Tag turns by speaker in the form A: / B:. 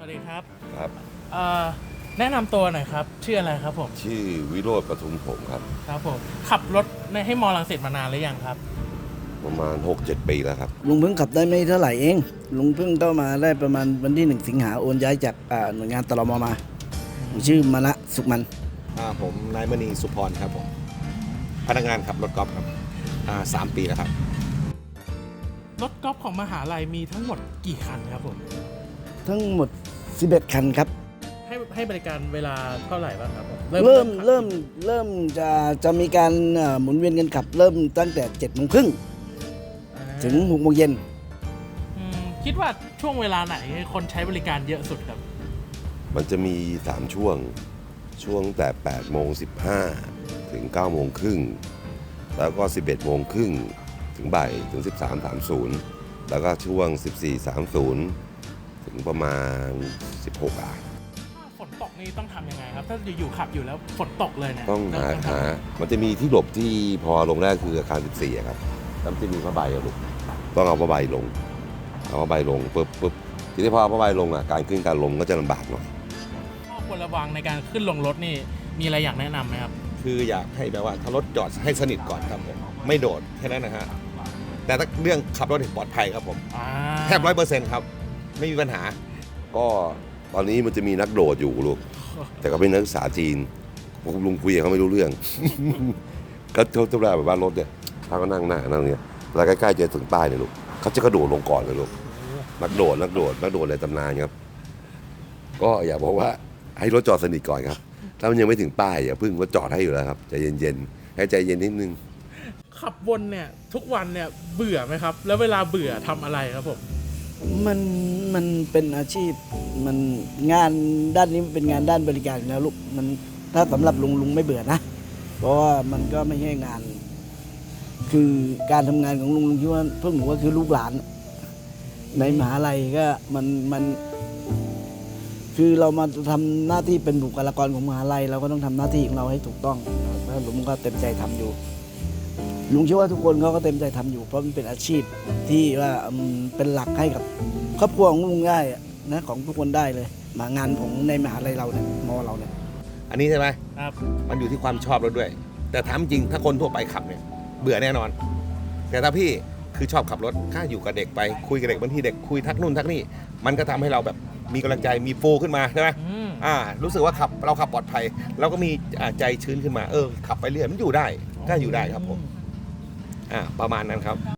A: วัสดีครับ
B: ครับ
A: เอ่อแนะนำตัวหน่อยครับชื่ออะไรครับผม
B: ชื่อวิโรจน์ปทุมผมครับ
A: ครับผมขับรถให้มอรังสิตมานานหรือยังครับ
B: ประมาณ 6-7 ปีแล้วครับ
C: ลุงเพิ่งขับได้ไม่เท่าไหร่เองลุงเพิ่งเข้ามาได้ประมาณวันที่1 สิงหาโอนย้ายจากหน่วยงานตรมมาผมชื่อมณะสุขมัน
D: ผมนายมณีสุพรครับผมพนักงานขับรถกอล์ฟครับ3 ปีแล้วครับ
A: รถกอล์ฟของมหาลัยมีทั้งหมดกี่คันครับผม
C: ทั้งหมด11คันครับ
A: ให้บริการเวลาเท่าไหร่บ้างครับผม
C: เริ่มจะมีการหมุนเวียนกันขับ เริ่มตั้งแต่7:30ถึง6:00 น
A: คิดว่าช่วงเวลาไหนคนใช้บริการเยอะสุดครับ
B: มันจะมี 3 ช่วงแต่8:15ถึง9:30แล้วก็ 11:30ถึงบ่ายถึง 13:30แล้วก็ช่วง 14:30ถึงประมาณ 16
A: ถ้าฝนตกนี่ต้องทำยังไงครับ ถ้าอยู่ขับอยู่แล้วฝนตกเลยเนี่ย
B: ต้องหามันจะมีที่หลบที่พอลงแรกคืออาคาร14ครับแล้วจะมีผ้าใบอะลูกต้องเอาผ้าใบลงปุ๊บทีนี้พอเอาผ้าใบลงการขึ้นการลงก็จะลำบากหน่อย
A: ข้อควรระวังในการขึ้นลงรถนี่มีอะไรอยากแนะนำไหมครับ
D: คืออยากให้แบบว่าถ้ารถจอดให้สนิทก่อนครับผมไม่โดดแค่นั้นนะฮะแต่ถ้าเรื่องขับรถปลอดภัยครับผมแทบ100%ครับไม่มีปัญหา
B: ก็ตอนนี้มันจะมีนักโดดอยู่ลูกแต่ก็เป็นนักศึกษาจีนผมลุงคุยกับเขาไม่รู้เรื่อง ก็ทุกเวลาแบบว่ารถเนี่ยเขาก็นั่งหน้านั่งเนี่ยแล้วใกล้ๆจะถึงป้ายเนี่ยลูกเขาจะกระโดดลงก่อนเลยลูกนักโดดในตำนานครับก็อย่าบอกว่าให้รถจอดสนิทก่อนครับถ้ามันยังไม่ถึงป้ายอย่าพึ่งรถจอดให้อยู่แล้วครับใจเย็นๆให้ใจเย็นนิดนึง
A: ขับวนเนี่ยทุกวันเนี่ยเบื่อไหมครับแล้วเวลาเบื่อทำอะไรครับผม
C: มันเป็นอาชีพมันงานด้านนี้เป็นงานด้านบริการอยู่แล้วลูกมันถ้าสำหรับลุงไม่เบื่อนะเพราะว่ามันก็ไม่ใช่งาน คือการทำงานของลุงคิดว่าพวกหนูก็คือลูกหลานในมหาลัยก็มันคือเรามาทำหน้าที่เป็นบุคลากรของมหาลัยเราก็ต้องทำหน้าที่ของเราให้ถูกต้องแล้วลุงก็เต็มใจทำอยู่ลุงเชื่อว่าทุกคนเขาก็เต็มใจทำอยู่เพราะมันเป็นอาชีพที่ว่าเป็นหลักให้กับครอบครัวของลุงได้นะของทุกคนได้เลยมางานของในมหาลัยเราเนี่ยมอเราเนี่ย
D: อันนี้ใช่ไหม
A: ครับ
D: มันอยู่ที่ความชอบรถด้วย แต่ถามจริงถ้าคนทั่วไปขับเนี่ยเบื่อแน่นอนแต่ถ้าพี่คือชอบขับรถข้าอยู่กับเด็กไปคุยกับเด็กบางทีเด็กคุยทักนู่นทักนี่มันก็ทำให้เราแบบมีกำลังใจมีโฟขึ้นมาใช่ไหมรู้สึกว่าเราขับปลอดภัยเราก็มีใจชื้นขึ้นมาขับไปเรื่อยมันอยู่ได้ก็อยู่ได้ครับผมประมาณนั้นครับ